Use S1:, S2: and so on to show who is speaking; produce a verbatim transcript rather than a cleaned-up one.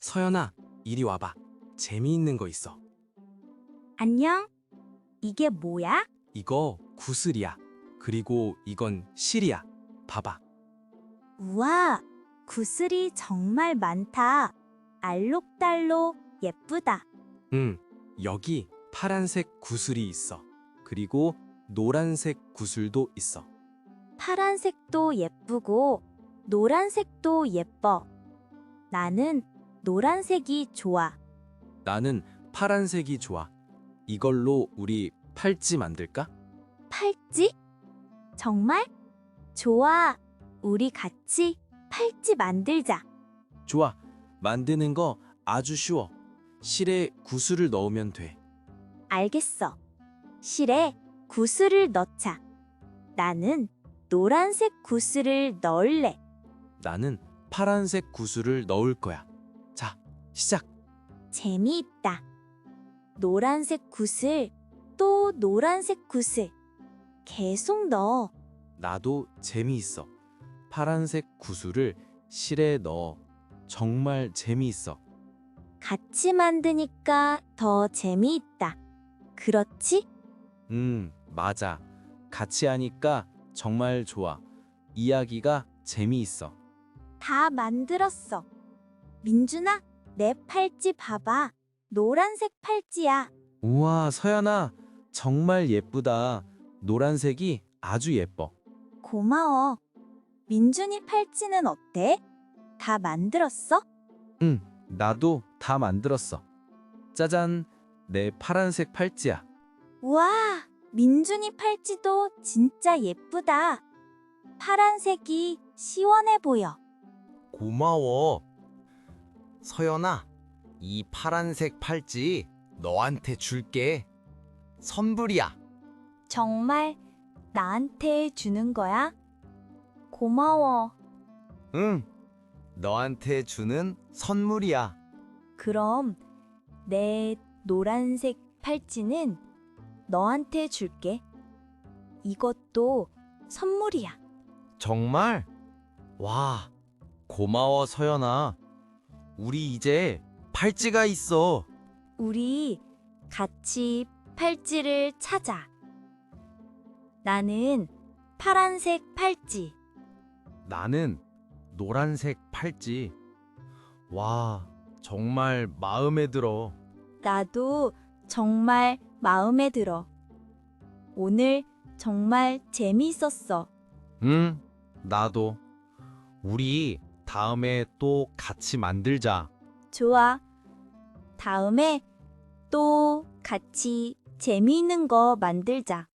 S1: 서연아, 이리 와봐. 재미있는 거 있어.
S2: 안녕? 이게 뭐야?
S1: 이거 구슬이야. 그리고 이건 실이야. 봐봐.
S2: 우와, 구슬이 정말 많다. 알록달록 예쁘다.
S1: 응, 여기 파란색 구슬이 있어. 그리고 노란색 구슬도 있어.
S2: 파란색도 예쁘고 노란색도 예뻐. 나는 노란색이 좋아.
S1: 나는 파란색이 좋아. 이걸로 우리 팔찌 만들까?
S2: 팔찌? 정말? 좋아. 우리 같이 팔찌 만들자.
S1: 좋아. 만드는 거 아주 쉬워. 실에 구슬을 넣으면 돼.
S2: 알겠어. 실에 구슬을 넣자. 나는 노란색 구슬을 넣을래.
S1: 나는 파란색 구슬을 넣을 거야. 자, 시작.
S2: 재미있다. 노란색 구슬, 또 노란색 구슬. 계속 넣어.
S1: 나도 재미있어. 파란색 구슬을 실에 넣어. 정말 재미있어.
S2: 같이 만드니까 더 재미있다. 그렇지?
S1: 음, 맞아. 같이 하니까 정말 좋아. 이야기가 재미있어.
S2: 다 만들었어. 민준아, 내 팔찌 봐봐. 노란색 팔찌야.
S1: 우와, 서연아. 정말 예쁘다. 노란색이 아주 예뻐.
S2: 고마워. 민준이 팔찌는 어때? 다 만들었어?
S1: 응, 나도 다 만들었어. 짜잔, 내 파란색 팔찌야.
S2: 우와, 민준이 팔찌도 진짜 예쁘다. 파란색이 시원해 보여.
S3: 고마워. 서연아, 이 파란색 팔찌 너한테 줄게. 선물이야.
S2: 정말 나한테 주는 거야? 고마워.
S3: 응, 너한테 주는 선물이야.
S2: 그럼 내 노란색 팔찌는 너한테 줄게. 이것도 선물이야.
S3: 정말? 와, 고마워, 서연아. 우리 이제 팔찌가 있어.
S2: 우리 같이 팔찌를 찾아. 나는 파란색 팔찌.
S3: 나는 노란색 팔찌. 와, 정말 마음에 들어.
S2: 나도 정말 마음에 들어. 오늘 정말 재미있었어.
S3: 응, 나도. 우리 다음에 또 같이 만들자.
S2: 좋아. 다음에 또 같이 재미있는 거 만들자.